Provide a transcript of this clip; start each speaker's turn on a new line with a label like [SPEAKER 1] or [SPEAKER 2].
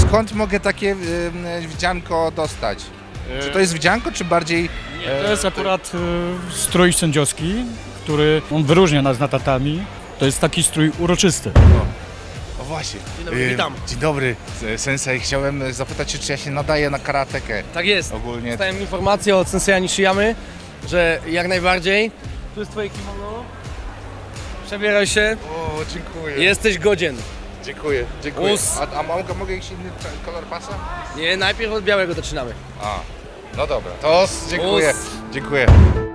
[SPEAKER 1] skąd mogę takie wdzianko dostać? Czy to jest wdzianko, czy bardziej...
[SPEAKER 2] To jest akurat strój sędziowski, który on wyróżnia nas na tatami. To jest taki strój uroczysty.
[SPEAKER 1] O właśnie.
[SPEAKER 3] Dzień dobry, witam.
[SPEAKER 1] Dzień dobry, sensei. Chciałem zapytać się, czy ja się nadaję na karatekę.
[SPEAKER 3] Tak jest.
[SPEAKER 1] Ogólnie.
[SPEAKER 3] Dostałem informację od Sensei Nishiyamy, że jak najbardziej. Tu jest twoje kimono. Przebieraj się.
[SPEAKER 1] O, dziękuję.
[SPEAKER 3] Jesteś godzien.
[SPEAKER 1] Dziękuję, dziękuję.
[SPEAKER 3] Us.
[SPEAKER 1] A mogę jakiś inny kolor pasa?
[SPEAKER 3] Nie, najpierw od białego zaczynamy.
[SPEAKER 1] A, no dobra. To dziękuję.
[SPEAKER 3] Us.
[SPEAKER 1] Dziękuję.